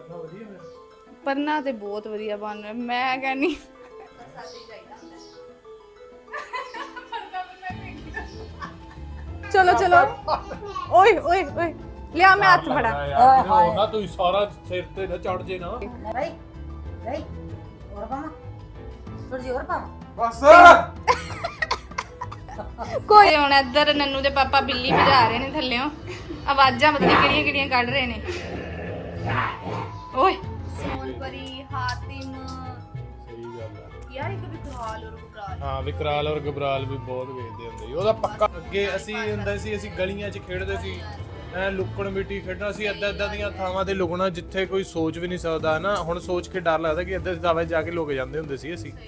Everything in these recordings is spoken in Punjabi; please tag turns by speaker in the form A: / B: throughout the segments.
A: ਪੰਨਾ ਤੇ ਬਹੁਤ ਵਧੀਆ ਬਣ ਰਿਹਾ ਮੈਂ ਕਹਿੰਨੀ ਚਲੋ ਚਲੋ ਓਏ ਓਏ ਓਏ ਲਿਆ ਮੈਂ ਹੱਥ ਫੜਾ
B: ਨਾ ਤੂੰ ਸਾਰਾ ਸਿਰ ਤੇ ਨਾ ਚੜ ਜੇ ਨਾ
C: ਭਾਈ ਭਾਈ ਹੋਰ ਪਾਵਾਂ ਥੋੜੀ ਜਿਹੀ ਹੋਰ ਪਾਵਾਂ
B: ਬਸ
A: ਕੋਈ ਹੁਣ ਇੱਧਰ ਨੰਨੂ ਦੇ ਪਾਪਾ ਬਿੱਲੀ ਭਜਾ ਰਹੇ ਨੇ ਥੱਲਿਓਂ ਆਵਾਜ਼ਾਂ ਪਤਾ ਨਹੀਂ ਕਿਹੜੀਆਂ ਕਿਹੜੀਆਂ ਕੱਢ ਰਹੇ ਨੇ ਓਏ ਸੋਨਪਰੀ ਹਾਤਿਮ
B: ਸਹੀ ਗੱਲ ਹੈ
A: ਯਾਰ ਇੱਕ ਵਿਕਰਾਲ ਔਰ ਵਿਕਰਾਲ
B: ਹਾਂ ਵਿਕਰਾਲ ਔਰ ਗਬਰਾਲ ਵੀ ਬਹੁਤ ਵੇਖਦੇ ਹੁੰਦੇ ਸੀ ਉਹਦਾ ਪੱਕਾ ਅੱਗੇ ਅਸੀਂ ਹੁੰਦਾ ਸੀ ਅਸੀਂ ਗਲੀਆਂ 'ਚ ਖੇਡਦੇ ਸੀ ਐ ਲੁਕਣ ਮਿੱਟੀ ਖੇਡਣਾ ਸੀ ਅੱਦਾਂ ਦੀਆਂ ਥਾਵਾਂ ਤੇ ਲੁਕਣਾ ਜਿੱਥੇ ਕੋਈ ਸੋਚ ਵੀ ਨਹੀਂ ਸਕਦਾ ਨਾ ਹੁਣ ਸੋਚ ਕੇ ਡਰ ਲੱਗਦਾ ਕਿ ਅੱਧੇ ਥਾਵਾਂ ਜਾ ਕੇ ਲੁਕ ਜਾਂਦੇ ਹੁੰਦੇ ਸੀ ਅਸੀਂ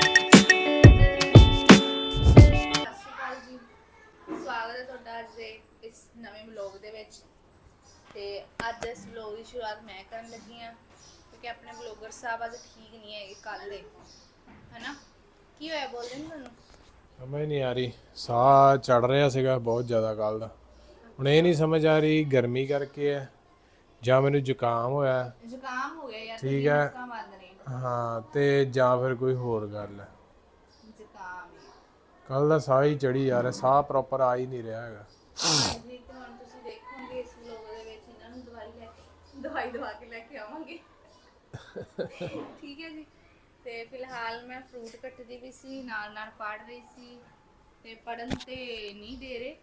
A: ਸਵਾਗਤ ਹੈ ਤੁਹਾਡਾ ਅੱਜ ਦੇ ਇਸ ਨਵੇਂ ਵਲੌਗ ਦੇ ਵਿੱਚ ਤੇ ਅੱਜ ਇਸ ਵਲੌਗ ਦੀ ਸ਼ੁਰੂਆਤ ਮੈਂ ਕਰਨ ਲੱਗੀ ਹਾਂ ਕਿਉਂਕਿ ਆਪਣੇ ਵਲੌਗਰ ਸਾਹਿਬ ਅੱਜ ਠੀਕ ਨਹੀਂ ਹੈਗੇ ਕੱਲ ਦੇ ਹੈਨਾ ਕੀ ਹੋਇਆ ਬੋਲਦੇ ਨੇ ਤੁਹਾਨੂੰ
B: ਸਮਝ ਨਹੀਂ ਆ ਰਹੀ ਸਾਹ ਚੜ ਰਿਹਾ ਸੀਗਾ ਬਹੁਤ ਜ਼ਿਆਦਾ ਕੱਲ ਦਾ ਹੁਣ ਇਹ ਨਹੀਂ ਸਮਝ ਆ ਰਹੀ ਗਰਮੀ ਕਰਕੇ ਹੈ ਜਾਂ ਮੈਨੂੰ ਜ਼ੁਕਾਮ ਹੋਇਆ
A: ਜ਼ੁਕਾਮ ਹੋ ਗਿਆ ਯਾਰ
B: ਠੀਕ ਹੈ
A: ਮੁੱਕਾਂ ਬੰਦ ਨੇ
B: ਹਾਂ ਤੇ ਜਾਂ ਫਿਰ ਕੋਈ ਹੋਰ ਗੱਲ ਹੈ
A: ਜ਼ੁਕਾਮ
B: ਕੱਲ ਦਾ ਸਾਹ ਹੀ ਚੜੀ ਜਾ ਰਿਹਾ ਸਾਹ ਪ੍ਰੋਪਰ ਆ ਹੀ ਨਹੀਂ ਰਿਹਾ ਹੈਗਾ
A: ਹਾਂਜੀ ਤੇ ਹੁਣ ਤੁਸੀਂ ਦੇਖੋਗੇ ਇਸ ਵਲੌਗ ਦੇ ਵਿੱਚ ਇਹਨਾਂ ਨੂੰ ਦਵਾਈ ਦਵਾ ਕੇ ਲੈ ਕੇ ਆਵਾਂਗੇ ਠੀਕ ਹੈ ਜੀ ਤੇ ਫਿਲਹਾਲ ਮੈਂ ਫਰੂਟ ਕੱਟਦੀ ਵੀ ਸੀ ਨਾਲ ਨਾਲ ਪੜ੍ਹ ਰਹੀ ਸੀ ਤੇ ਪੜਨ ਤੇ ਨਹੀਂ ਦੇ ਰਹੇ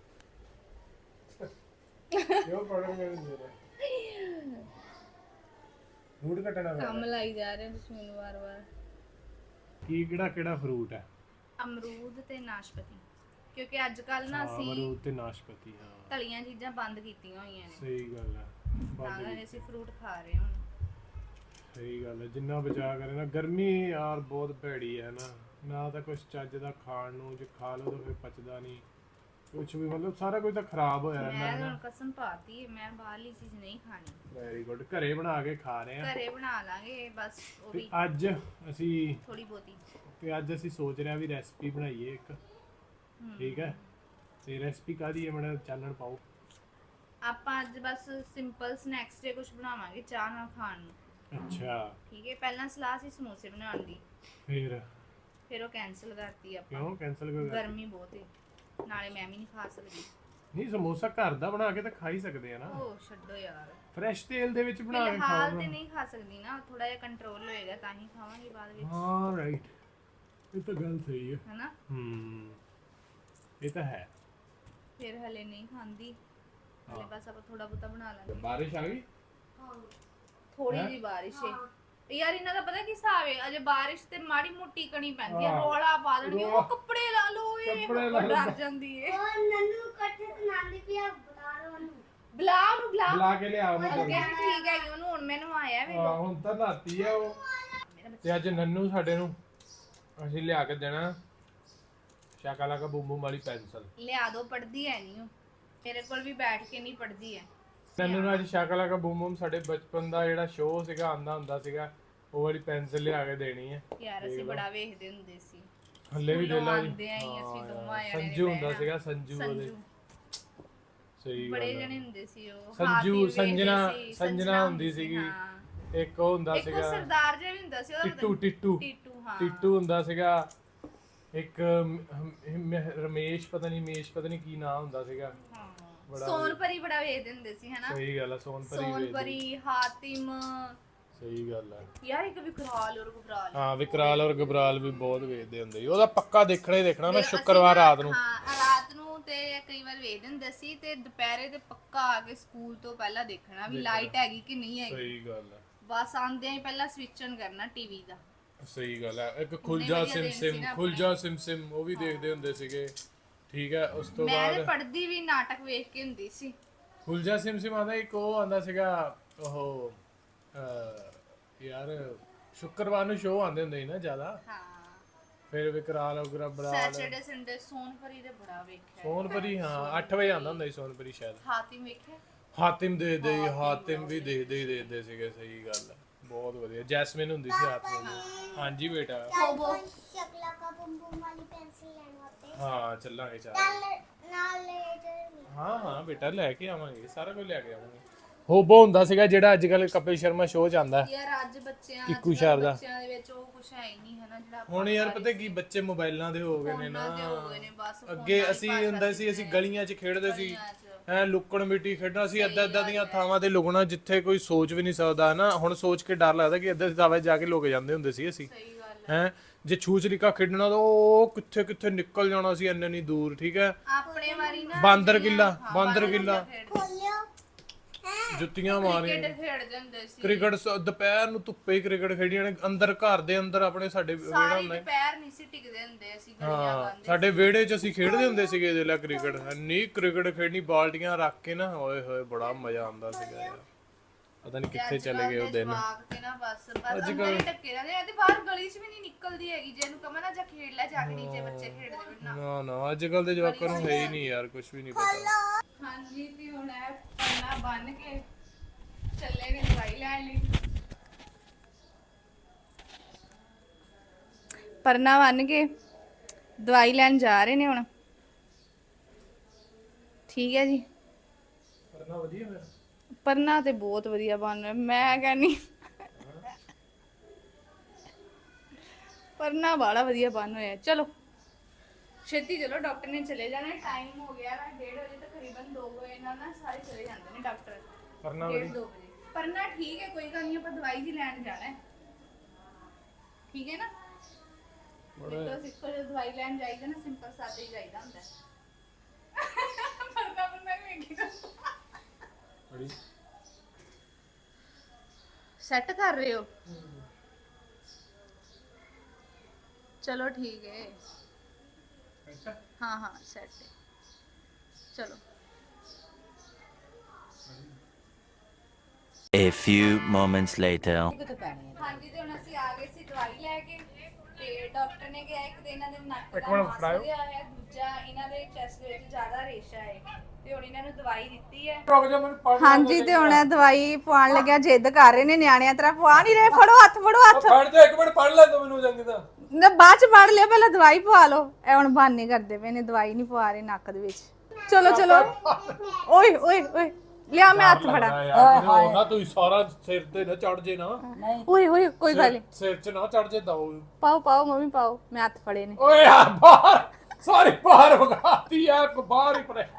B: ਕਿਉਂ ਪੜਨਗੇ ਨਹੀਂ ਦੇ ਰਹੇ ਫਰੂਟ ਕੱਟਣਾ
A: ਕੰਮ ਲਾਈ ਜਾ ਰਹੇ ਤੁਸੀਂ ਮੈਨੂੰ ਵਾਰ-ਵਾਰ
B: ਕੀ ਕਿਹੜਾ ਫਰੂਟ ਹੈ
A: ਅਮਰੂਦ ਤੇ ਨਾਸ਼ਪਤੀ ਕਿਉਂਕਿ ਅੱਜ ਕੱਲ ਨਾ ਅਸੀਂ
B: ਅਮਰੂਦ ਤੇ ਨਾਸ਼ਪਤੀ ਹਾਂ
A: ਤਲੀਆਂ ਚੀਜ਼ਾਂ ਬੰਦ ਕੀਤੀਆਂ ਹੋਈਆਂ ਨੇ
B: ਸਹੀ ਗੱਲ ਹੈ
A: ਤਾਂ ਕਰਕੇ ਅਸੀਂ ਫਰੂਟ ਖਾ ਰਹੇ ਹਾਂ
B: ਸਹੀ ਗੱਲ ਹੈ ਜਿੰਨਾ ਬਚਾ ਕਰੇ ਨਾ ਗਰਮੀ ਯਾਰ ਬਹੁਤ ਭੈੜੀ ਹੈ ਨਾ ਤਾਂ ਕੁਝ ਚੱਜ ਦਾ ਖਾਣ ਨੂੰ ਜੇ ਖਾ ਲਓ ਤਾਂ ਫਿਰ ਪਚਦਾ ਨਹੀਂ ਕੁਝ ਵੀ ਮਤਲਬ ਸਾਰਾ ਕੁਝ ਤਾਂ ਖਰਾਬ ਹੋਇਆ
A: ਮੈਂ
B: ਰਹਿੰਦਾ
A: ਹੁਣ ਕਸਮ ਪਾਤੀ ਹੈ ਮੈਂ ਬਾਹਰਲੀ ਚੀਜ਼ ਨਹੀਂ ਖਾਣੀ
B: ਵੈਰੀ ਗੁੱਡ ਘਰੇ ਬਣਾ ਕੇ ਖਾ ਰਹੇ ਆ
A: ਘਰੇ ਬਣਾ ਲਾਂਗੇ ਬਸ ਉਹ
B: ਤੇ
A: ਵੀ
B: ਅੱਜ ਅਸੀਂ
A: ਥੋੜੀ ਬਹੁਤੀ
B: ਸੋਚ ਰਿਹਾ ਵੀ ਰੈਸਪੀ ਬਣਾਈਏ ਇੱਕ ਠੀਕ ਹੈ ਤੇ ਰੈਸਪੀ ਕਾਦੀ ਹੈ ਮੈਡਮ ਚਾਨਣ ਪਾਓ
A: ਆਪਾਂ ਅੱਜ ਬਸ ਸਿੰਪਲ ਸਨੈਕਸ ਜੇ ਕੁਝ ਬਣਾਵਾਂਗੇ ਚਾਹ ਨਾਲ ਖਾਣ ਨੂੰ
B: ਅੱਛਾ
A: ਠੀਕ ਹੈ ਪਹਿਲਾਂ ਸਲਾਹ ਸੀ ਸਮੋਸੇ ਬਣਾਉਣ ਦੀ ਫਿਰ ਉਹ ਕੈਨਸਲ ਕਰਤੀ ਆਪਾਂ
B: ਕਿਉਂ ਕੈਨਸਲ ਕਿਉਂ ਕਰ
A: ਗਰਮੀ ਬਹੁਤ ਹੈ ਨਾਲੇ ਮੈਂ ਵੀ ਨਹੀਂ ਖਾ ਸਕਦੀ
B: ਨਹੀਂ ਸਮੋਸਾ ਘਰ ਦਾ ਬਣਾ ਕੇ ਤਾਂ ਖਾ ਹੀ ਸਕਦੇ ਆ ਨਾ
A: ਉਹ ਛੱਡੋ ਯਾਰ
B: ਫਰੈਸ਼ ਤੇਲ ਦੇ ਵਿੱਚ ਬਣਾ ਕੇ
A: ਹਾਲ
B: ਖਾਓ
A: ਤੇ ਨਹੀਂ ਖਾ ਸਕਦੀ ਨਾ ਥੋੜਾ ਜਿਹਾ ਕੰਟਰੋਲ ਹੋਏਗਾ ਤਾਂ ਹੀ ਖਾਵਾਂਗੇ ਬਾਅਦ ਵਿੱਚ
B: ਹਾਂ ਰਾਈਟ ਇਹ ਤਾਂ ਗੱਲ ਸਹੀ ਹੈ
A: ਹੈਨਾ
B: ਇਹ ਤਾਂ ਹੈ
A: ਫਿਰ ਹਲੇ ਨਹੀਂ ਖਾਂਦੀ ਹਲੇ ਬਸ ਆਪਾਂ ਥੋੜਾ ਬਹੁਤਾ ਬਣਾ ਲਾਂਗੇ
B: ਬਾਰਿਸ਼ ਆ ਗਈ
A: ਥੋੜੀ ਜਿਹੀ ਬਾਰਿਸ਼ ਹੈ ਯਾਰ ਇਹਨਾਂ ਦਾ ਪਤਾ ਕੀ ਹਿਸਾਬ ਹੈ ਅਜੇ ਬਾਰਿਸ਼ ਤੇ ਮਾੜੀ ਮੋਟੀ ਕਣੀ ਪੈਂਦੀ ਹੈ ਰੋਲਾ ਪਾ ਦੇਣਗੇ ਉਹ ਕੱਪੜੇ ਲਾ ਲਓ ਇਹ ਡਰ ਜਾਂਦੀ ਹੈ
D: ਉਹ ਨੰਨੂ ਕੱਟੇ ਤੇ ਨਾਲੀ ਪਿਆ ਬਤਾ ਰੋ ਉਹਨੂੰ
A: ਬੁਲਾ
B: ਕੇ ਲਿਆ ਉਹਨੂੰ
A: ਅੱਗੇ ਵੀ ਠੀਕ ਹੈ ਉਹਨੂੰ ਹੁਣ ਮੈਨੂੰ ਆਇਆ ਵੇ
B: ਹੁਣ ਤਾਂ ਨਾਤੀ ਆ ਉਹ ਤੇ ਅੱਜ ਨੰਨੂ ਸਾਡੇ ਨੂੰ ਅਸੀਂ ਲਿਆ ਕੇ ਦੇਣਾ ਸ਼ਾਕਾਲਾ ਕਾ ਬੂਮ ਬੂਮ ਵਾਲੀ ਪੈਨਸਲ
A: ਲਿਆ ਦੋ ਪੜਦੀ ਹੈ ਨਹੀਂ ਉਹ ਮੇਰੇ ਕੋਲ ਵੀ ਬੈਠ ਕੇ ਨਹੀਂ ਪੜਦੀ ਹੈ
B: ਨੰਨੂ ਨੂੰ ਅੱਜ ਸ਼ਾਕਾਲਾ ਕਾ ਬੂਮ ਬੂਮ ਸਾਡੇ ਬਚਪਨ ਦਾ ਜਿਹੜਾ ਸ਼ੋਅ ਸੀਗਾ ਆਂਦਾ ਹੁੰਦਾ ਸੀਗਾ ਉਹ ਵਾਲੀ ਪੈਨਸਲ ਲਿਆ ਕੇ ਦੇਣੀ ਹੈ
A: ਯਾਰ ਅਸੀਂ ਬੜਾ ਵੇਖਦੇ ਹੁੰਦੇ ਸੀ
B: ਹੱਲੇ ਵੀ ਦੇ ਲਾ
A: ਆਂਦੇ ਆਂ ਅਸੀਂ ਦੋਵਾਂ ਜਣੇ
B: ਸੰਜੂ ਹੁੰਦਾ ਸੀਗਾ ਸੰਜੂ ਉਹਦੇ ਸਹੀ
A: ਬੜੇ ਜਣੇ ਹੁੰਦੇ ਸੀ ਉਹ
B: ਸੰਜੂ ਸੰਜਨਾ ਹੁੰਦੀ ਸੀਗੀ ਇੱਕ ਉਹ ਹੁੰਦਾ
A: ਇੱਕ
B: ਸੀਗਾ
A: ਸਰਦਾਰ ਜਿਹਾ ਵੀ ਹੁੰਦਾ ਸੀ ਉਹਦਾ
B: ਟਿੱਟੂ
A: ਹਾਂ
B: ਟਿੱਟੂ ਹੁੰਦਾ ਸੀਗਾ ਇੱਕ ਰਮੇਸ਼ ਪਤਾ ਨਹੀਂ ਕੀ ਨਾਮ ਹੁੰਦਾ ਸੀਗਾ
A: ਸੋਨਪਰੀ ਬੜਾ ਵੇਖਦੇ ਹੁੰਦੇ ਸੀ ਹਨਾ
B: ਸਹੀ ਗੱਲ ਹੈ
A: ਸੋਨਪਰੀ ਹਾਤਿਮ
B: ਸਹੀ ਗੱਲ ਹੈ
A: ਯਾਰ ਇੱਕ ਵਿਕਰਾਲ ਔਰ ਗਬਰਾਲ
B: ਹਾਂ ਵਿਕਰਾਲ ਔਰ ਗਬਰਾਲ ਵੀ ਬਹੁਤ ਵੇਖਦੇ ਹੁੰਦੇ ਸੀ ਉਹਦਾ ਪੱਕਾ ਦੇਖਣਾ ਹੀ ਦੇਖਣਾ ਮੈਂ ਸ਼ੁੱਕਰਵਾਰ ਰਾਤ ਨੂੰ
A: ਹਾਂ ਰਾਤ ਨੂੰ ਤੇ ਕਈ ਵਾਰ ਵੇਖਦੇ ਹੁੰਦੇ ਸੀ ਤੇ ਦੁਪਹਿਰੇ ਤੇ ਪੱਕਾ ਆ ਕੇ ਸਕੂਲ ਤੋਂ ਪਹਿਲਾਂ ਦੇਖਣਾ ਵੀ ਲਾਈਟ ਹੈਗੀ ਕਿ ਨਹੀਂ ਹੈਗੀ
B: ਸਹੀ ਗੱਲ ਹੈ
A: ਬਸ ਆਂਦਿਆਂ ਹੀ ਪਹਿਲਾਂ ਸਵਿਚ ਔਨ ਕਰਨਾ ਟੀਵੀ ਦਾ
B: ਸਹੀ ਗੱਲ ਹੈ ਇੱਕ ਖੁੱਲਜਾ ਸਿਮ ਉਹ ਵੀ ਦੇਖਦੇ ਹੁੰਦੇ ਸੀਗੇ ਠੀਕ ਹੈ ਉਸ ਤੋਂ ਬਾਅਦ
A: ਮੈਂ ਪੜ੍ਹਦੀ ਵੀ ਨਾਟਕ ਵੇਖ ਕੇ ਹੁੰਦੀ ਸੀ
B: ਖੁੱਲਜਾ ਸਿਮ ਆਂਦਾ ਇੱਕ ਉਹ ਆਂਦਾ ਸੀਗਾ ਉਹ ਯਾਰ ਸ਼ੁੱਕਰਵਾਰ ਨੂੰ ਸ਼ੋਅ ਆਉਂਦੇ ਹੁੰਦੇ ਸੀ ਨਾ ਜ਼ਿਆਦਾ
A: ਹਾਂ
B: ਫਿਰ ਵਿਕਰਾਲ ਔਰ ਗਬਰਾਲ
A: ਸੈਟਰਡੇ ਸੰਡੇ ਸੋਨਪਰੀ ਦੇ ਬੜਾ ਵੇਖਿਆ
B: ਸੋਨਪਰੀ ਹਾਂ 8 ਵਜੇ ਆਉਂਦਾ ਹੁੰਦਾ ਸੀ ਸੋਨਪਰੀ ਸ਼ਾਇਦ
A: ਹਾਤਿਮ ਵੇਖਿਆ
B: ਹਾਤਿਮ ਹਾਤਿਮ ਵੀ ਦੇਖਦੇ ਸੀਗੇ ਸਹੀ ਗੱਲ ਹੈ ਬਹੁਤ ਵਧੀਆ ਜੈਸਮਿਨ ਹੁੰਦੀ ਸੀ ਹਾਤਿਮ ਹਾਂਜੀ ਬੇਟਾ
D: ਸ਼ਕਲਾ ਕਾ ਬੂਮ ਬੂਮ ਵਾਲੀ ਪੈਨਸਿਲ ਲੈਣ ਵਾਸਤੇ
B: ਹਾਂ ਚੱਲਾਂਗੇ
D: ਨਾਲ ਲੈ
B: ਹਾਂ ਬੇਟਾ ਲੈ ਕੇ ਆਵਾਂਗੇ ਸਾਰਾ ਕੁਝ ਲੈ ਕੇ ਆਵਾਂਗੇ ਹੋਬੋ ਹੁੰਦਾ ਸੀਗਾ ਜਿਹੜਾ ਅੱਜ ਕੱਲ ਕਪਿਲ ਸ਼ਰਮਾ ਸ਼ੋਅ ਚ ਆਂਦਾ।
A: ਯਾਰ ਅੱਜ ਬੱਚਿਆਂ
B: ਕਿੱਕੂ
A: ਅੱਜ ਕੱਲ੍ਹ
B: ਸ਼ਾਰਦਾ।
A: ਬੱਚਿਆਂ ਦੇ ਵਿੱਚ ਉਹ ਕੁਝ ਹੈ ਹੀ ਨਹੀਂ ਹੈ ਨਾ ਜਿਹੜਾ ਆਪਾਂ
B: ਹੁਣ ਯਾਰ ਪਤਾ ਕੀ ਬੱਚੇ ਮੋਬਾਈਲਾਂ ਦੇ ਹੋ ਗਏ ਨੇ
A: ਫੋਨਾਂ
B: ਨਾ।
A: ਤੇ ਹੋ ਗਏ ਨੇ ਬਸ
B: ਅੱਗੇ ਅਸੀਂ ਹੁੰਦਾ ਸੀ ਅਸੀਂ ਗਲੀਆਂ 'ਚ ਖੇਡਦੇ ਸੀ ਐ ਲੁੱਕਣ ਮਿੱਟੀ ਖੇਡਣਾ ਸੀ ਅੱਦਾਂ ਦੀਆਂ ਥਾਵਾਂ ਤੇ ਲੁਕਣਾ ਜਿੱਥੇ ਕੋਈ ਸੋਚ ਵੀ ਨਹੀਂ ਸਕਦਾ ਨਾ। ਹੁਣ ਸੋਚ ਕੇ ਡਰ ਲੱਗਦਾ ਕਿ ਅੱਧੇ ਥਾਵਾਂ 'ਤੇ ਜਾ ਕੇ ਲੁਕ ਜਾਂਦੇ ਹੁੰਦੇ ਸੀ ਅਸੀਂ।
A: ਸਹੀ ਗੱਲ
B: ਹੈ ਜੇ ਛੂਚਲੀਕਾ ਖੇਡਣਾ ਤਾਂ ਉਹ ਕਿੱਥੇ ਕਿੱਥੇ ਨਿਕਲ ਜਾਣਾ ਸੀ ਇੰਨੇ ਨਹੀਂ ਦੂਰ। ਠੀਕ ਹੈ
A: ਆਪਣੇ ਵਾਰੀ ਨਾ
B: ਬਾਂਦਰ ਕਿੱਲਾ
D: ਖੋਲਿਓ
B: ਜੁੱਤੀਆਂ ਮਾਰੀਆਂ
A: ਕ੍ਰਿਕਟ ਖੇਡਦੇ ਹੁੰਦੇ ਸੀ
B: ਕ੍ਰਿਕਟ ਦੁਪਹਿਰ ਨੂੰ ਧੁੱਪੇ ਹੀ ਕ੍ਰਿਕਟ ਖੇਡੀਆਂ ਨੇ ਅੰਦਰ ਘਰ ਦੇ ਅੰਦਰ ਆਪਣੇ ਸਾਡੇ ਵਿਹੜਾ
A: ਸਾਰੀ
B: ਹੁੰਦਾ
A: ਦੁਪਹਿਰ ਨਹੀਂ ਸੀ ਟਿਕਦੇ ਹੁੰਦੇ ਅਸੀਂ ਗਲੀਆਂ
B: ਹਾਂ
A: ਬੰਦ
B: ਸਾਡੇ ਵਿਹੜੇ 'ਚ ਅਸੀਂ ਖੇਡਦੇ ਹੁੰਦੇ ਸੀਗੇ ਇਹਦੇ ਲਈ ਕ੍ਰਿਕਟ ਇੰਨੀ ਕ੍ਰਿਕਟ ਖੇਡਣੀ ਬਾਲਟੀਆਂ ਰੱਖ ਕੇ ਨਾ ਓਏ ਹੋਏ ਬੜਾ ਮਜ਼ਾ ਆਉਂਦਾ ਸੀਗਾ ਯਾਰ। ਪਤਾ ਨਹੀਂ ਕਿੱਥੇ ਚਲੇ ਗਏ ਉਹ ਦਿਨ।
A: ਜਵਾਕ ਤੇ ਨਾ ਬਸ ਅੰਦਰ ਹੀ ਟੱਕੇ ਰਹਿੰਦੇ ਆ ਤੇ ਬਾਹਰ ਗਲੀ 'ਚ ਵੀ ਨਹੀਂ ਨਿਕਲਦੀ ਹੈਗੀ ਜੇ ਇਹਨੂੰ ਕਹਾਂ ਨਾ ਜਾ ਖੇਡ ਲੈ ਜਾ ਕੇ ਨੀਚੇ ਬੱਚੇ ਖੇਡਦੇ ਵੀ ਨਾ।
B: ਨਾ ਅੱਜ ਕੱਲ ਦੇ ਜਵਾਕਾਂ ਨੂੰ ਹੈ ਹੀ ਨਹੀਂ ਯਾਰ ਕੁਝ ਵੀ ਨਹੀਂ ਪਤਾ।
A: ਹਾਂਜੀ ਤੇ ਹੁਣ ਇਹ ਪੰਨਾ ਬੰਨ ਕੇ ਚੱਲੇ ਨੇ ਦਵਾਈ ਲੈਣ ਲਈ। ਪਰਨਾ ਬੰਨ ਕੇ ਦਵਾਈ ਲੈਣ ਜਾ ਰਹੇ ਨੇ ਹੁਣ। ਠੀਕ ਹੈ ਜੀ।
B: ਕਰਨਾ ਵਧੀਆ ਫਿਰ
A: ਪਰਨਾ ਤੇ ਬਹੁਤ ਵਧੀਆ ਬਣ ਰਿਹਾ ਮੈਂ ਕਹਿੰਨੀ ਪਰਨਾ ਬੜਾ ਵਧੀਆ ਬਣ ਰਿਹਾ। ਚਲੋ ਛੇਤੀ ਚਲੋ ਡਾਕਟਰ ਨੇ ਚਲੇ ਜਾਣਾ ਟਾਈਮ ਹੋ ਗਿਆ ਵਾ 1:30 ਵਜੇ ਤਕਰੀਬਨ 2 ਵਜੇ ਨਾਲ ਸਾਰੇ ਚਲੇ ਜਾਂਦੇ ਨੇ ਡਾਕਟਰ।
B: ਕਰਨਾ
A: 1:30 2 ਵਜੇ ਪਰਨਾ ਠੀਕ ਹੈ ਕੋਈ ਗੱਲ ਨਹੀਂ ਆਪਾਂ ਦਵਾਈ ਜੀ ਲੈਣ ਜਾਣਾ ਹੈ। ਠੀਕ ਹੈ ਨਾ ਬੜਾ ਸਿੱਖੋ ਜੇ ਦਵਾਈ ਲੈਣ ਜਾਈਦਾ ਨਾ ਸਿੰਪਲ ਸਾਦਾ ਹੀ ਜਾਈਦਾ ਹੁੰਦਾ ਪਰਨਾ ਪਰਨਾ ਵੀ ਵੇਖੀ
B: ਬੜੀ
A: ਸੈੱਟ ਕਰ ਰਹੇ ਹੋ ਚਲੋ ਠੀਕ ਹੈ हाँ हाँ सेट है चलो
E: A few moments later.
C: ਕਿੱਥੇ ਪੈਣੀ ਹੈ
A: हाँ जी तो हम ਅਸੀਂ ਆ ਗਏ ਸੀ ਦਵਾਈ ਲੈ ਕੇ ਤੇ ਡਾਕਟਰ ਨੇ ਕਿਹਾ ਇੱਕ ਤੇ ਇਹਨਾਂ ਦੇ ਨੱਕ
B: ਇੱਕ
A: ਦਾ
B: ਮਿੰਟ
A: ਮਾਸ
B: ਫੜਾਇਓ।
A: ਵਧਿਆ ਹੈ ਦੂਜਾ ਇਹਨਾਂ ਦੇ ਚੈਸਟ ਦੇ ਵਿੱਚ ਜ਼ਿਆਦਾ ਰੇਸ਼ਾ ਹੈ ਤੇ ਹੁਣ ਇਹਨਾਂ ਨੂੰ ਦਵਾਈ ਦਿੱਤੀ ਹੈ।
B: ਰੁਕ ਜਾ ਮੈਨੂੰ ਪੜ੍ਹ
A: ਹਾਂਜੀ ਤੇ ਹੁਣ ਇਹ ਦਵਾਈ ਪਵਾਉਣ ਲੱਗਿਆ ਜਿੱਦ ਕਰ ਰਹੇ ਨੇ ਨਿਆਣਿਆਂ ਤਰ੍ਹਾਂ ਪਵਾ ਨਹੀਂ ਰਹੇ ਫੜੋ ਹੱਥ
B: ਫੜ ਜਾ ਇੱਕ ਮਿੰਟ ਪੜ੍ਹ ਲੈ ਤੂੰ ਮੈਨੂੰ ਚੰਗੀ ਤਾਂ।
A: ਨਾ ਬਾਅਦ ਚ ਪੜ ਲਿਆ ਪਹਿਲਾਂ ਦਵਾਈ ਪਵਾ ਲਓ ਇਹ ਹੁਣ ਬਹਾਨੇ ਕਰਦੇ ਪਏ ਨੇ ਦਵਾਈ ਨਹੀਂ ਪਵਾ ਰਹੇ ਨੱਕ ਦੇ ਵਿੱਚ। ਚਲੋ ਚਲੋ ਓਏ ਓਏ ਓਏ ਲਿਆ ਮੈਂ ਹੱਥ ਫੜਾ
B: ਯਾਰ ਨਾ ਤੂੰ ਸਾਰਾ ਸਿਰ ਤੇ ਨਾ ਚੜ ਜੇ ਨਾ
A: ਓਏ ਓਏ ਕੋਈ ਗੱਲ ਨਹੀਂ
B: ਸਿਰ 'ਚ ਨਾ ਚੜ ਜੇ ਦਓ।
A: ਪਾਓ ਪਾਓ ਮੰਮੀ ਪਾਓ ਮੈਂ ਹੱਥ ਫੜੇ ਨੇ
B: ਓਏ ਯਾਰ ਬਾਹਰ ਸਾਰੀ ਬਾਹਰ ਵਗਾਤੀ ਆ ਬਾਹਰ ਹੀ ਪਰੇ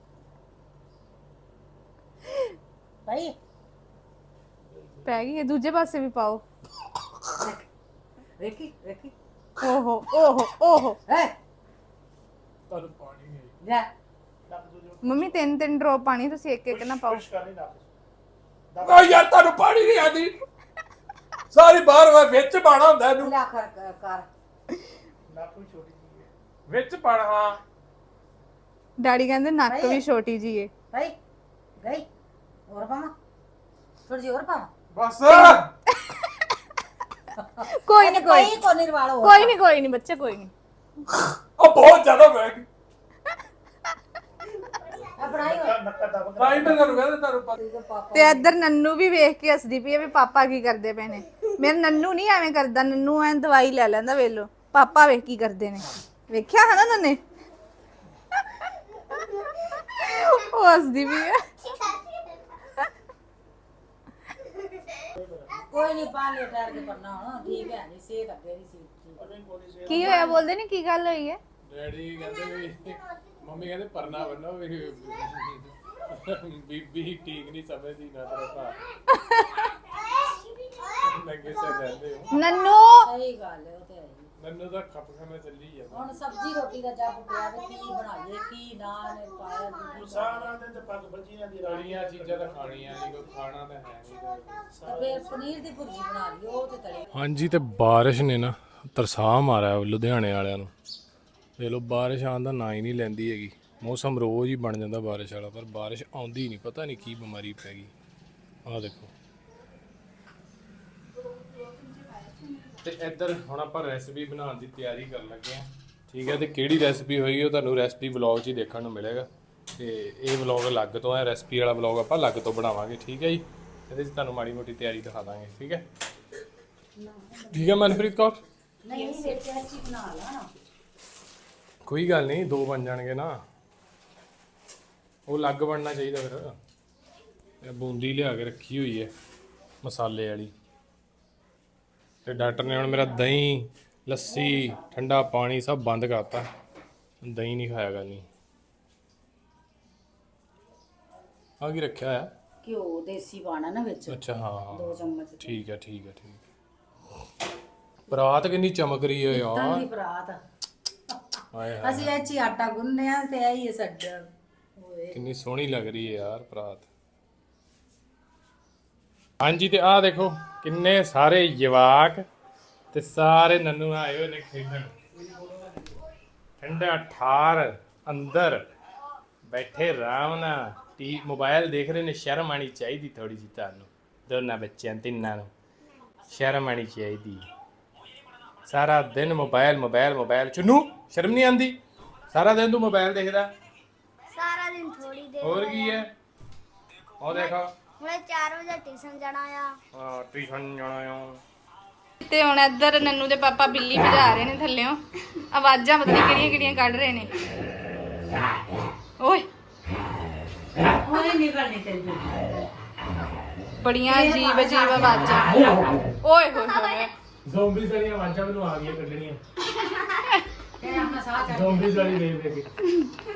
C: ਭਾਈ
A: ਪੈ ਗਈ ਹੈ ਦੂਜੇ ਪਾਸੇ ਵੀ ਪਾਓ
C: ਵੇਖੀ ਵੇਖੀ
A: ਓਹੋ ਓਹੋ ਓਹੋ
C: ਹੈ
B: ਤੁਹਾਨੂੰ ਪਾਣੀ ਨਹੀਂ
C: ਲੈ
A: ਮੰਮੀ 3 ਡ੍ਰੌਪ ਪਾਣੀ ਤੁਸੀਂ ਇੱਕ ਇੱਕ ਨਾ ਪਾਓ
B: ਓ ਯਾਰ ਤੁਹਾਨੂੰ ਪਾਣੀ ਨਹੀਂ ਆਦੀ ਸਾਰੀ ਬਾਹਰ ਵਾ ਵਿੱਚ ਪਾਣਾ ਹੁੰਦਾ ਇਹਨੂੰ
C: ਲੈ ਕਰ
B: ਵਿੱਚ ਪਾਣਾ ਹਾਂ
A: ਡੈਡੀ ਕਹਿੰਦੇ ਨੱਕ ਵੀ ਛੋਟੀ ਜੀ ਏ
C: ਭਾਈ ਗਈ ਹੋਰ ਪਾਵਾਂ ਥੋੜੀ ਜਿਹੀ ਹੋਰ ਪਾਵਾਂ
B: ਬਸ
A: ਕੋਈ ਨਹੀਂ ਕੋਈ
C: ਕੋ ਨਿਰਵਾਲ ਹੋ
A: ਕੋਈ ਨਹੀਂ ਬੱਚੇ ਕੋਈ ਨਹੀਂ
B: ਉਹ ਬਹੁਤ ਜ਼ਿਆਦਾ ਬਹਿ ਗਈ
C: ਬਣਾਈ
B: ਟਾਈਮ ਤੇ ਤੁਹਾਨੂੰ ਕਹਿੰਦੇ ਤੁਹਾਨੂੰ ਪਤਾ
A: ਤੇ ਇੱਧਰ ਨੰਨੂ ਵੀ ਵੇਖ ਕੇ ਹੱਸਦੀ ਪਈ ਹੈ ਵੀ ਪਾਪਾ ਕੀ ਕਰਦੇ ਪਏ ਨੇ। ਮੇਰਾ ਨੰਨੂ ਨਹੀਂ ਐਵੇਂ ਕਰਦਾ ਨੰਨੂ ਐਂ ਦਵਾਈ ਲੈ ਲੈਂਦਾ ਵੇਲੋ ਪਾਪਾ ਵੇਖ ਕੀ ਕਰਦੇ ਨੇ ਵੇਖਿਆ ਹੈ ਨਾ ਨੰਨੇ ਉਹ ਹੱਸਦੀ ਪਈ ਹੈ।
C: ਕੋਈ ਨਹੀਂ ਪਾ ਲਿਆ ਟਾਇਰ ਕੇ ਪੜਨਾ ਹੁਣ ਠੀਕ ਹੈ ਨਹੀਂ ਸਿਹਤ ਅੱਗੇ ਦੀ ਸੀ
A: ਕੀ ਹੋਇਆ ਬੋਲਦੇ ਨਹੀਂ ਕੀ ਗੱਲ ਹੋਈ ਹੈ।
B: ਡੈਡੀ ਕਹਿੰਦੇ ਵੀ ਮੰਮੀ ਕਹਿੰਦੇ ਪਰਨਾ ਬੰਨੋ ਵੀ ਬੀਬੀ ਠੀਕ ਨਹੀਂ ਸਮਝਦੀ ਨਾ ਤੇਰਾ ਭਾ ਲੱਗੇ ਸੇ ਰਹਿੰਦੇ ਹੋ
A: ਨੰਨੂ
C: ਸਹੀ ਗੱਲ ਹੈ ਉਹ ਤੇ ਹੈ ਹੀ।
B: ਮੈਨੂੰ ਤਾਂ ਖੱਪ ਖਾਣਾ ਚੱਲੀ ਜਾਂਦਾ
C: ਹੁਣ ਸਬਜ਼ੀ ਰੋਟੀ ਦਾ ਜੱਬ ਪਿਆ ਵੇ ਕੀ ਬਣਾਈਏ ਕੀ ਨਾ ਨੇ ਪਾਇਆ ਦੂਜੀ ਸਾਰਾ
B: ਤਲੀਆਂ ਚੀਜ਼ਾਂ ਤਾਂ ਖਾਣੀਆਂ ਨਹੀਂ ਕੋਈ ਖਾਣਾ ਤਾਂ ਹੈ ਨਹੀਂ
C: ਫੇਰ ਪਨੀਰ ਦੀ ਭੁਰਜੀ ਬਣਾ ਲਈ ਉਹ ਤੇ ਤਲੀ
B: ਹਾਂਜੀ ਤੇ ਬਾਰਿਸ਼ ਨੇ ਨਾ ਤਰਸਾਹ ਮਾਰਿਆ ਲੁਧਿਆਣੇ ਵਾਲਿਆਂ ਨੂੰ ਦੇਖ ਲਓ ਬਾਰਿਸ਼ ਆਉਣ ਦਾ ਨਾਂ ਹੀ ਨਹੀਂ ਲੈਂਦੀ ਹੈਗੀ। ਮੌਸਮ ਰੋਜ਼ ਹੀ ਬਣ ਜਾਂਦਾ ਬਾਰਿਸ਼ ਵਾਲਾ ਪਰ ਬਾਰਿਸ਼ ਆਉਂਦੀ ਨਹੀਂ ਪਤਾ ਨਹੀਂ ਕੀ ਬਿਮਾਰੀ ਪੈ ਗਈ। ਆਹ ਦੇਖੋ ਤੇ ਇੱਧਰ ਹੁਣ ਆਪਾਂ ਰੈਸਪੀ ਬਣਾਉਣ ਦੀ ਤਿਆਰੀ ਕਰਨ ਲੱਗੇ ਆ। ਠੀਕ ਹੈ ਤੇ ਕਿਹੜੀ ਰੈਸਪੀ ਹੋਈ ਉਹ ਤੁਹਾਨੂੰ ਰੈਸਪੀ ਵਲੌਗ 'ਚ ਹੀ ਦੇਖਣ ਨੂੰ ਮਿਲੇਗਾ ਤੇ ਇਹ ਵਲੌਗ ਅਲੱਗ ਤੋਂ ਹੈ ਰੈਸਪੀ ਵਾਲਾ ਵਲੌਗ ਆਪਾਂ ਅਲੱਗ ਤੋਂ ਬਣਾਵਾਂਗੇ। ਠੀਕ ਹੈ ਜੀ ਇਹਦੇ 'ਚ ਤੁਹਾਨੂੰ ਮਾੜੀ ਮੋਟੀ ਤਿਆਰੀ ਦਿਖਾ ਦਾਂਗੇ। ਠੀਕ ਹੈ ਠੀਕ ਹੈ ਮਨਪ੍ਰੀਤ ਕੌਰ
C: ਨਹੀਂ ਵਿੱਚ ਅੱਛੀ ਬਣਾ ਲਾ ਨਾ
B: ਕੋਈ ਗੱਲ ਨਹੀਂ ਦੋ ਬਣ ਜਾਣਗੇ ਨਾ ਉਹ ਅਲੱਗ ਬਣਨਾ ਚਾਹੀਦਾ ਫਿਰ ਇਹ ਬੂੰਦੀ ਲਿਆ ਕੇ ਰੱਖੀ ਹੋਈ ਹੈ ਮਸਾਲੇ ਵਾਲੀ। ਤੇ ਡਾਕਟਰ ਨੇ ਹੁਣ ਮੇਰਾ ਦਹੀਂ, ਲੱਸੀ, ਠੰਡਾ ਪਾਣੀ ਸਭ ਬੰਦ ਕਰਤਾ। ਦਹੀਂ ਨਹੀਂ ਖਾਇਆ ਕਰਨੀ। ਆ ਕੀ ਰੱਖਿਆ ਹੋਇਆ?
C: ਘਿਓ ਦੇਸੀ ਪਾਣਾ ਨਾ ਵਿੱਚ,
B: ਅੱਛਾ ਹਾਂ
C: 2 ਚਮਚ।
B: ਠੀਕ ਹੈ ਠੀਕ ਹੈ ਠੀਕ। ਪਰਾਤ ਕਿੰਨੀ ਚਮਕ ਰਹੀ ਹੈ
C: ਤਾਂ
B: ਯਾਰ।
C: ਦੀ ਬਰਾਤ
B: ਹਾਏ ਹਾਏ
C: ਅਸੀਂ ਇਹ 'ਚ ਹੀ ਆਟਾ ਗੁੰਨਦੇ ਆ ਤੇ ਇਹ ਹੀ ਹੈ ਸਾਡਾ। ਓਏ
B: ਕਿੰਨੀ ਸੋਹਣੀ ਲੱਗ ਰਹੀ ਹੈ ਯਾਰ ਪਰਾਤ। ਹਾਂਜੀ ਤੇ ਆਹ ਦੇਖੋ ਕਿੰਨੇ ਸਾਰੇ ਜਵਾਕ ਤੇ ਸਾਰੇ ਨੰਨੂ ਆਏ ਹੋਏ ਨੇ ਖੇਡਣ। ਠੰਡਾ ਠਾਰ ਅੰਦਰ ਬੈਠੇ ਆਰਾਮ ਨਾਲ ਮੋਬਾਈਲ ਦੇਖ ਰਹੇ ਨੇ। ਸ਼ਰਮ ਆਣੀ ਚਾਹੀਦੀ ਥੋੜੀ ਜਿਹੀ ਤੁਹਾਨੂੰ ਦੋਨਾਂ ਬੱਚਿਆਂ ਤਿੰਨਾਂ ਨੂੰ। ਸ਼ਰਮ ਆਣੀ ਚਾਹੀਦੀ। ਸਾਰਾ ਦਿਨ ਮੋਬਾਈਲ ਮੋਬਾਈਲ ਮੋਬਾਈਲ। ਚੁੰਨੂ ਸ਼ਰਮ ਨਹੀਂ ਆਉਂਦੀ? ਸਾਰਾ ਦਿਨ ਤੂੰ ਮੋਬਾਈਲ ਦੇਖਦਾ।
D: ਸਾਰਾ ਦਿਨ ਥੋੜੀ ਦੇਰ
B: ਹੋਰ ਕੀ ਹੈ? ਉਹ ਦੇਖੋ
D: ਹੁਣੇ 4 ਵਜੇ ਟਿਊਸ਼ਨ ਜਾਣਾ ਆ।
B: ਹਾਂ ਟਿਊਸ਼ਨ ਜਾਣਾ ਆ।
A: ਤੇ ਹੁਣ ਇੱਧਰ ਨੰਨੂ ਦੇ ਪਾਪਾ ਬਿੱਲੀ ਭਜਾ ਰਹੇ ਨੇ ਥੱਲਿਓਂ। ਆਵਾਜ਼ਾਂ ਪਤਾ ਨਹੀਂ ਕਿਹੜੀਆਂ ਕਿਹੜੀਆਂ ਕੱਢ ਰਹੇ ਨੇ। ਓਏ
C: ਓਏ ਨਿਕਲਣੀ ਚਾਹੀਦੀ।
A: ਬੜੀਆਂ ਅਜੀਬ ਅਜੀਬ ਆਵਾਜ਼ਾਂ। ਓਏ ਹੋਏ ਹੋਏ
B: ਜ਼ੋਂਬੀਜ਼ ਵਾਲੀਆਂ ਆਵਾਜ਼ਾਂ ਮੈਨੂੰ ਆ ਗਈਆਂ ਕੱਢਣੀਆਂ।
C: ਤੇ ਆਪਣਾ ਸਾਹ ਚੜ
B: ਜ਼ੋਂਬੀਜ਼ ਵਾਲੀ ਦੇਖ ਦੇਖ ਕੇ।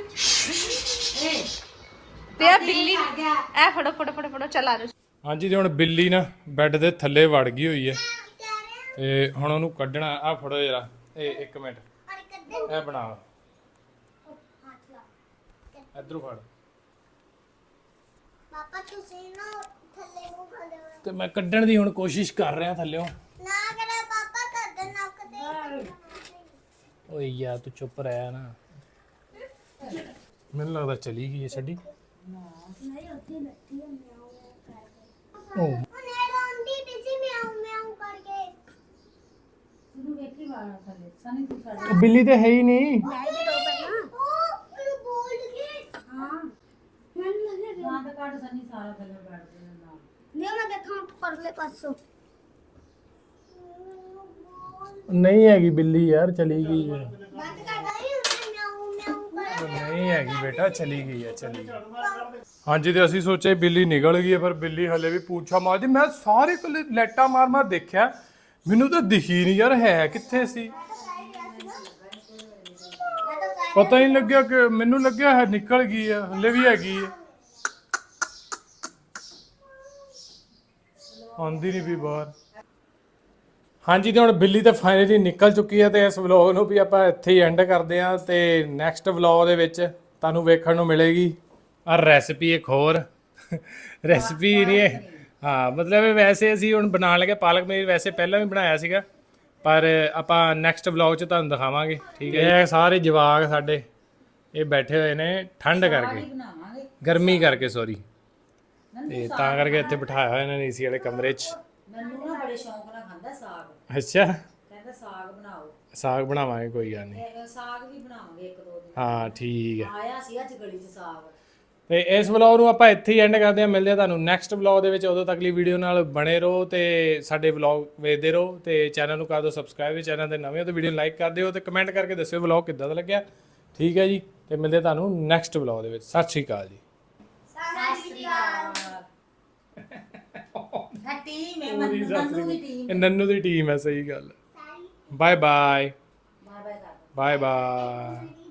C: ਏ
A: ਤੇ ਆ ਬਿੱਲੀ ਐ ਫੜੋ ਫੜੋ ਫੜੋ ਫੜੋ ਚੱਲ ਆ ਜਾਓ।
B: ਹਾਂਜੀ ਤੇ ਹੁਣ ਬਿੱਲੀ ਨਾ ਬੈੱਡ ਦੇ ਥੱਲੇ ਵੜ ਗਈ ਹੋਈ ਹੈ ਤੇ ਹੁਣ ਉਹਨੂੰ ਕੱਢਣਾ। ਆ ਫੜੋ ਜਰਾ ਇਹ 1 ਮਿੰਟ ਇਹ ਬਣਾ ਇਧਰੋਂ ਫੜ।
D: ਪਾਪਾ ਤੁਸੀਂ ਨਾ ਥੱਲੇ ਨੂੰ ਖੜੇ ਹੋ।
B: ਤੇ ਮੈਂ ਕੱਢਣ ਦੀ ਹੁਣ ਕੋਸ਼ਿਸ਼ ਕਰ ਰਿਹਾ ਥੱਲਿਓਂ।
D: ਨਾ ਕਰੇ ਪਾਪਾ ਤੁਹਾਡੇ ਨੱਕ ਤੇ।
B: ਓਏ ਯਾਰ ਤੂੰ ਚੁੱਪ ਰਹਿ ਨਾ। ਮੈਨੂੰ ਲੱਗਦਾ ਚਲੀ ਗਈ ਹੈ ਛੱਡੀ।
D: ਨਹੀਂ ਉੱਥੇ ਬੈਠੀ ਹੈ ਮਿਆਉ ਕਰਕੇ।
B: ਓ
D: ਉਹਨੇ ਰੋਂਦੀ ਪਈ ਸੀ ਮਿਆਉ ਮਿਆਉ ਕਰਕੇ।
C: ਤੂੰ ਵੇਖੀ ਵਾਲਾ ਥੱਲੇ ਸਨੀ ਤੂੰ ਸਾਡੇ
B: ਬਿੱਲੀ ਤੇ ਹੈ ਹੀ ਨਹੀਂ।
D: ਉਹ ਮੈਨੂੰ ਬੋਲ ਕੇ। ਹਾਂ ਮੈਨੂੰ ਲੱਗਿਆ
C: ਦੰਦ ਕੱਢ ਸਨੀ ਸਾਰਾ ਥੱਲੇ ਬੈਠਦੇ ਨੇ ਨਾਲ।
D: ਨਹੀਂ ਮੈਂ ਦੇਖਾਂ ਪਰਲੇ ਪਾਸੋਂ।
B: ਨਹੀਂ ਹੈਗੀ ਬਿੱਲੀ ਯਾਰ ਚਲੀ ਗਈ ਹੈ।
D: ਬੰਦ ਕਰ ਦਈ ਮਿਆਉ ਮਿਆਉ ਕਰ।
B: ਨਹੀਂ ਹੈਗੀ ਬੇਟਾ ਚਲੀ ਗਈ ਹੈ ਚਲੀ ਗਈ। ਹਾਂਜੀ ਤੇ ਅਸੀਂ ਸੋਚਿਆ ਬਿੱਲੀ ਨਿਕਲ ਗਈ ਹੈ ਪਰ ਬਿੱਲੀ ਹਲੇ ਵੀ ਪੂਛਾ ਮਾਰਦੀ। ਮੈਂ ਸਾਰੇ ਕੋਲੇ ਲੈਟਾ ਮਾਰ ਮਾਰ ਦੇਖਿਆ ਮੈਨੂੰ ਤਾਂ ਦਿਖੀ ਨਹੀਂ ਯਾਰ ਹੈ ਕਿੱਥੇ ਸੀ। ਪਤਾ ਹੀ ਨਹੀਂ ਲੱਗਿਆ ਕਿ ਮੈਨੂੰ ਲੱਗਿਆ ਹੈ ਨਿਕਲ ਗਈ ਹੈ ਹਲੇ ਵੀ ਹੈਗੀ ਹੈ। ਆਉਂਦੀ ਨਹੀਂ ਵੀ ਬਾਹਰ। ਹਾਂਜੀ ਤੇ ਹੁਣ ਬਿੱਲੀ ਤਾਂ ਫਾਈਨਲੀ ਨਿਕਲ ਚੁੱਕੀ ਹੈ ਤੇ ਇਸ ਵਲੌਗ ਨੂੰ ਵੀ ਆਪਾਂ ਇੱਥੇ ਹੀ ਐਂਡ ਕਰਦੇ ਹਾਂ ਤੇ ਨੈਕਸਟ ਵਲੌਗ ਦੇ ਵਿੱਚ ਤੁਹਾਨੂੰ ਵੇਖਣ ਨੂੰ ਮਿਲੇਗੀ ਆ ਰੈਸਪੀ ਇੱਕ ਹੋਰ। ਰੈਸਪੀ ਨਹੀਂ ਹੈ ਹਾਂ ਮਤਲਬ ਵੈਸੇ ਅਸੀਂ ਹੁਣ ਬਣਾਉਣ ਲੱਗੇ ਪਾਲਕ ਪਨੀਰ। ਵੈਸੇ ਪਹਿਲਾਂ ਵੀ ਬਣਾਇਆ ਸੀਗਾ ਪਰ ਆਪਾਂ ਨੈਕਸਟ ਵਲੌਗ 'ਚ ਤੁਹਾਨੂੰ ਦਿਖਾਵਾਂਗੇ। ਠੀਕ ਹੈ ਇਹ ਸਾਰੇ ਜਵਾਕ ਸਾਡੇ ਇਹ ਬੈਠੇ ਹੋਏ ਨੇ ਠੰਡ ਕਰਕੇ
C: ਬਣਾਵਾਂਗੇ
B: ਗਰਮੀ ਕਰਕੇ ਸੌਰੀ ਤੇ ਤਾਂ ਕਰਕੇ ਇੱਥੇ ਬਿਠਾਇਆ ਹੋਇਆ ਇਹਨਾਂ ਨੇ ਏਸੀ ਵਾਲੇ ਕਮਰੇ 'ਚ।
C: ਮੈਨੂੰ ਨਾ ਬੜੇ ਸ਼ੌਂਕ ਨਾਲ ਖਾਂਦਾ ਸਾਗ।
B: ਅੱਛਾ
C: ਕਹਿੰਦਾ ਸਾਗ ਬਣਾਓ।
B: ਸਾਗ ਬਣਾਵਾਂਗੇ ਕੋਈ ਗੱਲ ਨਹੀਂ।
C: ਇਹ ਸਾਗ ਵੀ ਬਣਾਵਾਂਗੇ 1-2 ਦਿਨ।
B: ਹਾਂ ਠੀਕ ਹੈ।
C: ਆਇਆ ਸੀ ਅੱਜ ਗਲੀ 'ਚ ਸਾਗ।
B: ਤੇ ਇਸ ਵਲੌਗ ਨੂੰ ਆਪਾਂ ਇੱਥੇ ਹੀ ਐਂਡ ਕਰਦੇ ਹਾਂ। ਮਿਲਦੇ ਹਾਂ ਤੁਹਾਨੂੰ ਨੈਕਸਟ ਵਲੌਗ ਦੇ ਵਿੱਚ। ਉਦੋਂ ਤੱਕ ਲਈ ਵੀਡੀਓ ਨਾਲ ਬਣੇ ਰਹੋ ਤੇ ਸਾਡੇ ਵਲੌਗ ਵੇਖਦੇ ਰਹੋ ਤੇ ਚੈਨਲ ਨੂੰ ਕਰ ਦਿਓ ਸਬਸਕ੍ਰਾਈਬ। ਚੈਨਲ ਤੇ ਨਵੇਂ ਹੋ ਤਾਂ ਵੀਡੀਓ ਨੂੰ ਲਾਈਕ ਕਰ ਦਿਓ ਤੇ ਕਮੈਂਟ ਕਰਕੇ ਦੱਸਿਓ ਵਲੌਗ ਕਿੱਦਾਂ ਦਾ ਲੱਗਿਆ। ਠੀਕ ਹੈ ਜੀ ਤੇ ਮਿਲਦੇ ਤੁਹਾਨੂੰ ਨੈਕਸਟ ਵਲੌਗ ਦੇ ਵਿੱਚ। ਸਤਿ ਸ਼੍ਰੀ ਅਕਾਲ ਜੀ।
C: ਟੀਮ ਹੈ ਨੰਨੂ ਦੀ ਟੀਮ।
B: ਇਹ ਨੰਨੂ ਦੀ ਟੀਮ ਹੈ ਸਹੀ ਗੱਲ। ਬਾਏ ਬਾਏ
C: ਬਾਏ ਬਾਏ ਕਰ।
B: Bye bye.